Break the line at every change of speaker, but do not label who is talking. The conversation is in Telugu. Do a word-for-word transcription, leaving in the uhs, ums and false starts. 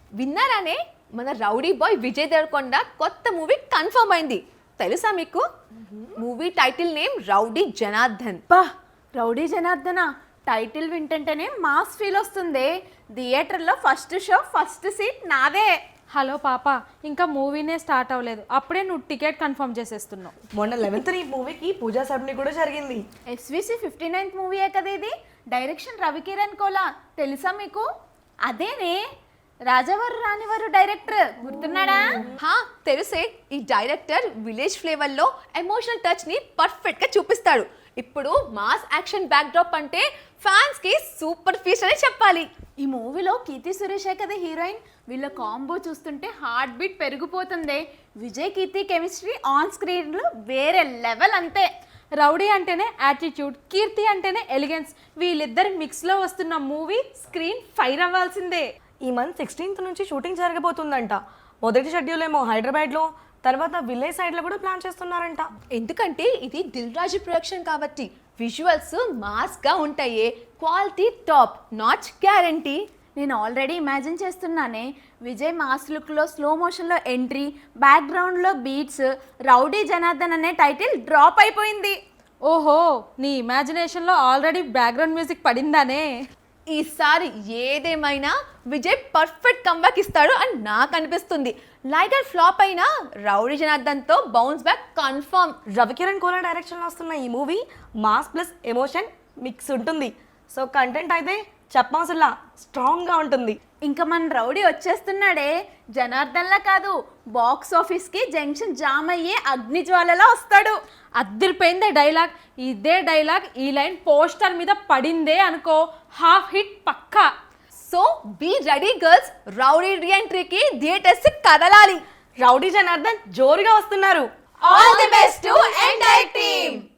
విన్నారానే మన రౌడీ బాయ్ విజయ్ దేవరకొండ కొత్త మూవీ కన్ఫర్మ్ అయింది. తెలుసా మీకు? Movie title name Rowdy Janardhan.
బా రౌడీ జనార్దన టైటిల్ వింటుంటేనే మాస్ ఫీల్ వస్తుంది. థియేటర్లో ఫస్ట్ షో ఫస్ట్ సీట్ నాదే.
హలో పాప, ఇంకా మూవీనే స్టార్ట్ అవ్వలేదు, అప్పుడే నువ్వు టికెట్ కన్ఫర్మ్ చేసేస్తున్నావు.
మొన్న లెవెన్త్ ఈ మూవీకి పూజా సబ్ని కూడా జరిగింది.
ఎస్విసి ఫిఫ్టీ నైన్త్ మూవీయే కదా ఇది. డైరెక్షన్ రవికిరణ్ కోలా, తెలుసా మీకు? అదేనే రాజావారు రానివారు డైరెక్టర్, గుర్తున్నాడా?
హా తెలుసే. ఈ డైరెక్టర్ విలేజ్ ఫ్లేవర్ లో ఎమోషనల్ టచ్ ని పర్ఫెక్ట్ గా చూపిస్తాడు. ఇప్పుడు మాస్ యాక్షన్ బ్యాక్ డ్రాప్ అంటే ఫ్యాన్స్ కి సూపర్ ఫీస్ట్ అని చెప్పాలి.
ఈ మూవీలో కీర్తి సురేషే కదా హీరోయిన్. వీళ్ళ కాంబో చూస్తుంటే హార్ట్ బీట్ పెరిగిపోతుంది. Vijay Keerthi chemistry on screen లో వేరే లెవెల్ అంతే.
రౌడీ అంటేనే యాటిట్యూడ్, కీర్తి అంటేనే ఎలిగెన్స్. వీళ్ళిద్దరి మిక్స్లో వస్తున్న మూవీ స్క్రీన్ ఫైర్ అవ్వాల్సిందే.
ఈ మంత్ సిక్స్టీన్త్ నుంచి షూటింగ్ జరగబోతుందంట. మొదటి షెడ్యూల్ ఏమో హైదరాబాద్లో, తర్వాత విలేజ్ సైడ్లో కూడా ప్లాన్ చేస్తున్నారంట.
ఎందుకంటే ఇది దిల్ రాజు ప్రొడక్షన్ కాబట్టి విజువల్స్ మాస్ గా ఉంటాయి. Quality top notch guarantee.
నేను ఆల్రెడీ ఇమాజిన్ చేస్తున్నానే విజయ్ మాస్ లుక్లో స్లో మోషన్లో ఎంట్రీ, బ్యాక్గ్రౌండ్లో బీట్స్, రౌడీ జనార్దన్ అనే టైటిల్ డ్రాప్ అయిపోయింది.
ఓహో, నీ ఇమాజినేషన్లో ఆల్రెడీ బ్యాక్గ్రౌండ్ మ్యూజిక్ పడిందానే.
ఈసారి ఏదేమైనా విజయ్ పర్ఫెక్ట్ కంబ్యాక్ ఇస్తాడు అని నాకు అనిపిస్తుంది. లైగర్ ఫ్లాప్ అయినా రౌడీ జనార్దన్ తో bounce back confirm.
Ravikiran Kola డైరెక్షన్లో వస్తున్న ఈ movie mass plus emotion mix ఉంటుంది. సో కంటెంట్ అయితే చెప్పవసరలా స్ట్రాంగ్గా ఉంటుంది.
ఇంకా మన రౌడీ వచ్చేస్తున్నాడే, జనార్దన్లా కాదు, బాక్స్ ఆఫీస్కి జంక్షన్ జామ్ అయ్యే అగ్నిజ్వాలలా వస్తాడు.
అద్దరిపోయిందే డైలాగ్. ఇదే డైలాగ్ ఈ లైన్ పోస్టర్ మీద పడిందే అనుకో, హాఫ్ హిట్ పక్కా.
So be ready girls, Rowdy రీఎంట్రీకి థియేటర్స్ కదలాలి.
రౌడీ జనార్దన్ జోరుగా వస్తున్నారు.
All the best to entire team.